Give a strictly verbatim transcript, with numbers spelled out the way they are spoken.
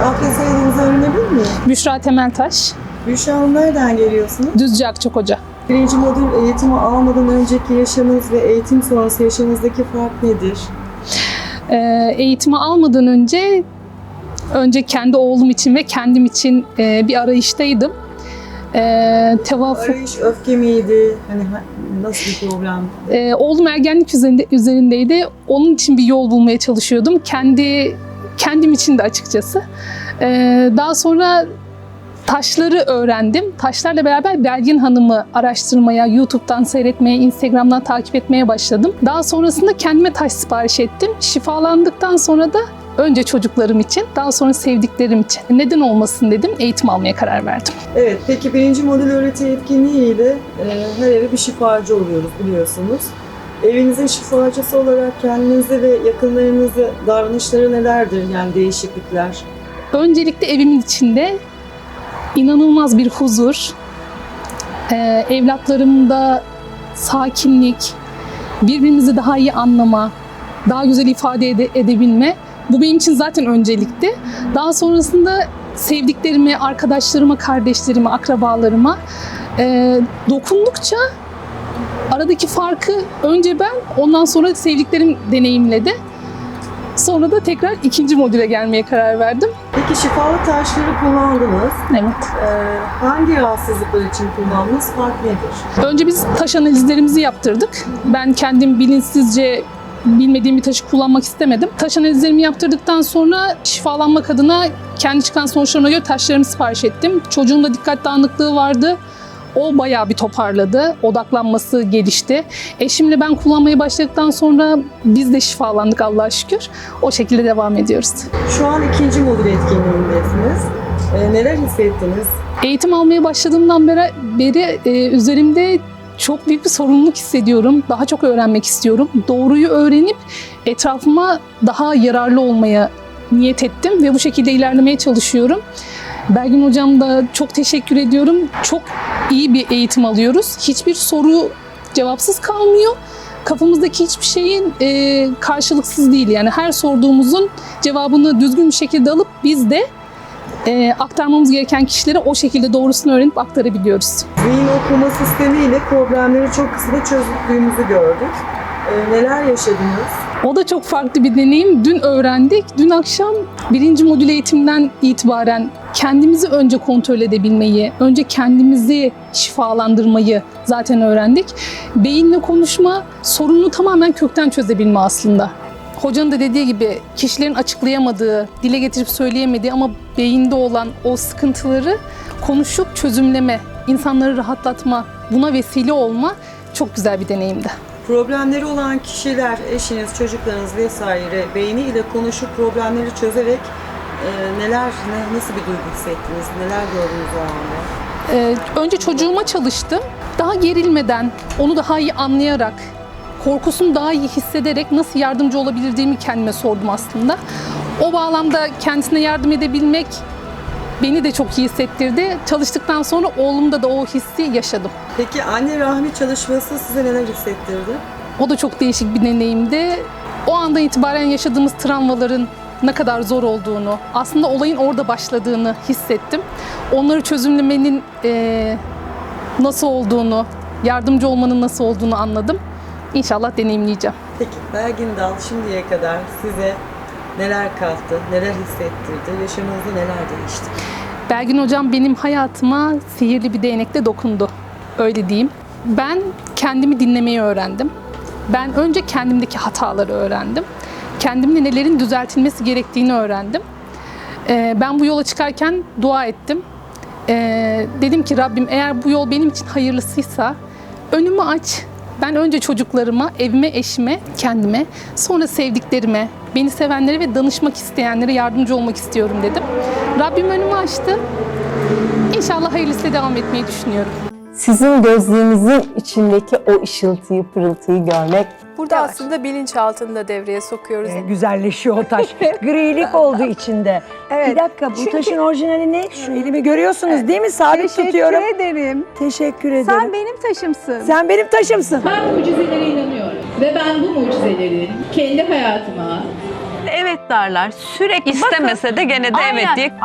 Adli soyadınızı öğrenebilir miyim? Büşra Temeltaş. Büşra Hanım, nereden geliyorsunuz? Düzce Akçakoca. Birinci modül eğitimi almadan önceki yaşamınız ve eğitim sonrası yaşamınızdaki fark nedir? Ee, eğitimi almadan önce önce kendi oğlum için ve kendim için e, bir arayıştaydım. Ee, tevafuk. Arayış öfke miydi? Hani nasıl bir problem? Ee, oğlum ergenlik üzerinde, üzerindeydi. Onun için bir yol bulmaya çalışıyordum. Kendi kendim için de açıkçası. Ee, daha sonra taşları öğrendim. Taşlarla beraber Belgin Hanım'ı araştırmaya, YouTube'dan seyretmeye, Instagram'dan takip etmeye başladım. Daha sonrasında kendime taş sipariş ettim. Şifalandıktan sonra da önce çocuklarım için, daha sonra sevdiklerim için. Neden olmasın dedim, eğitim almaya karar verdim. Evet, peki birinci modül öğreti etkinliğiyle e, her eve bir şifacı oluyoruz biliyorsunuz. Evinizin şifacısı olarak kendinizi ve yakınlarınızı davranışları nelerdir, yani değişiklikler? Öncelikle evimin içinde inanılmaz bir huzur, ee, evlatlarımda sakinlik, birbirimizi daha iyi anlama, daha güzel ifade ede- edebilme. Bu benim için zaten öncelikti. Daha sonrasında sevdiklerime, arkadaşlarıma, kardeşlerime, akrabalarıma e, dokundukça aradaki farkı önce ben, ondan sonra sevdiklerim deneyimledi. Sonra da tekrar ikinci modüle gelmeye karar verdim. Peki şifalı taşları kullandınız. Evet. Ee, hangi rahatsızlıklar için kullandınız? Fark nedir? Önce biz taş analizlerimizi yaptırdık. Ben kendim bilinçsizce bilmediğim bir taşı kullanmak istemedim. Taş analizlerimi yaptırdıktan sonra şifalanmak adına kendi çıkan sonuçlarıma göre taşlarımı sipariş ettim. Çocuğumda dikkat dağınıklığı vardı. O bayağı bir toparladı. Odaklanması gelişti. Eşimle ben kullanmaya başladıktan sonra biz de şifalandık Allah'a şükür. O şekilde devam ediyoruz. Şu an ikinci modül etkinliğindesiniz. Ee, neler hissettiniz? Eğitim almaya başladığımdan beri, beri e, üzerimde çok büyük bir sorumluluk hissediyorum. Daha çok öğrenmek istiyorum. Doğruyu öğrenip etrafıma daha yararlı olmaya niyet ettim ve bu şekilde ilerlemeye çalışıyorum. Belgin Hocam da çok teşekkür ediyorum. Çok iyi bir eğitim alıyoruz. Hiçbir soru cevapsız kalmıyor. Kafamızdaki hiçbir şeyin e, karşılıksız değil. Yani her sorduğumuzun cevabını düzgün bir şekilde alıp biz de e, aktarmamız gereken kişilere o şekilde doğrusunu öğrenip aktarabiliyoruz. Zihin okuma sistemiyle problemleri çok kısa çözdüğümüzü gördük. Ee, neler yaşadınız? O da çok farklı bir deneyim. Dün öğrendik. Dün akşam birinci modül eğitimden itibaren kendimizi önce kontrol edebilmeyi, önce kendimizi şifalandırmayı zaten öğrendik. Beyinle konuşma, sorunu tamamen kökten çözebilme aslında. Hocanın da dediği gibi kişilerin açıklayamadığı, dile getirip söyleyemediği ama beyinde olan o sıkıntıları konuşup çözümleme, insanları rahatlatma, buna vesile olma çok güzel bir deneyimdi. Problemleri olan kişiler, eşiniz, çocuklarınız vesaire beyniyle konuşup problemleri çözerek e, neler, ne, nasıl bir duygu hissettiniz, neler gördünüz o anda? Ee, önce çocuğuma çalıştım. Daha gerilmeden, onu daha iyi anlayarak, korkusunu daha iyi hissederek nasıl yardımcı olabildiğimi kendime sordum aslında. O bağlamda kendisine yardım edebilmek beni de çok iyi hissettirdi. Çalıştıktan sonra oğlumda da o hissi yaşadım. Peki anne rahmi çalışması size neler hissettirdi? O da çok değişik bir deneyimdi. O andan itibaren yaşadığımız travmaların ne kadar zor olduğunu, aslında olayın orada başladığını hissettim. Onları çözümlemenin e, nasıl olduğunu, yardımcı olmanın nasıl olduğunu anladım. İnşallah deneyimleyeceğim. Peki Belgin Dal şimdiye kadar size neler kattı, neler hissettirdi, yaşamınızda neler değişti? Belgin Hocam benim hayatıma sihirli bir değnekle dokundu. Öyle diyeyim. Ben kendimi dinlemeyi öğrendim. Ben önce kendimdeki hataları öğrendim. Kendimde nelerin düzeltilmesi gerektiğini öğrendim. Ee, ben bu yola çıkarken dua ettim. Ee, dedim ki Rabbim eğer bu yol benim için hayırlısıysa önümü aç. Ben önce çocuklarıma, evime, eşime, kendime, sonra sevdiklerime, beni sevenlere ve danışmak isteyenlere yardımcı olmak istiyorum dedim. Rabbim önümü açtı. İnşallah hayırlısıyla devam etmeyi düşünüyorum. Sizin gözlüğünüzün içindeki o ışıltıyı, pırıltıyı görmek. Burada Evet. aslında bilinçaltını da devreye sokuyoruz. Ee, güzelleşiyor o taş. Grilik oldu içinde. Evet. Bir dakika, bu Çünkü- taşın orijinali ne? Şu elimi görüyorsunuz değil mi? Sabit Teşekkür tutuyorum. ederim. Teşekkür ederim. Sen benim taşımsın. Sen benim taşımsın. Ben mucizelere inanıyorum ve ben bu mucizeleri kendi hayatıma evet derler. Sürekli İstemese de gene de evet Aynen. diye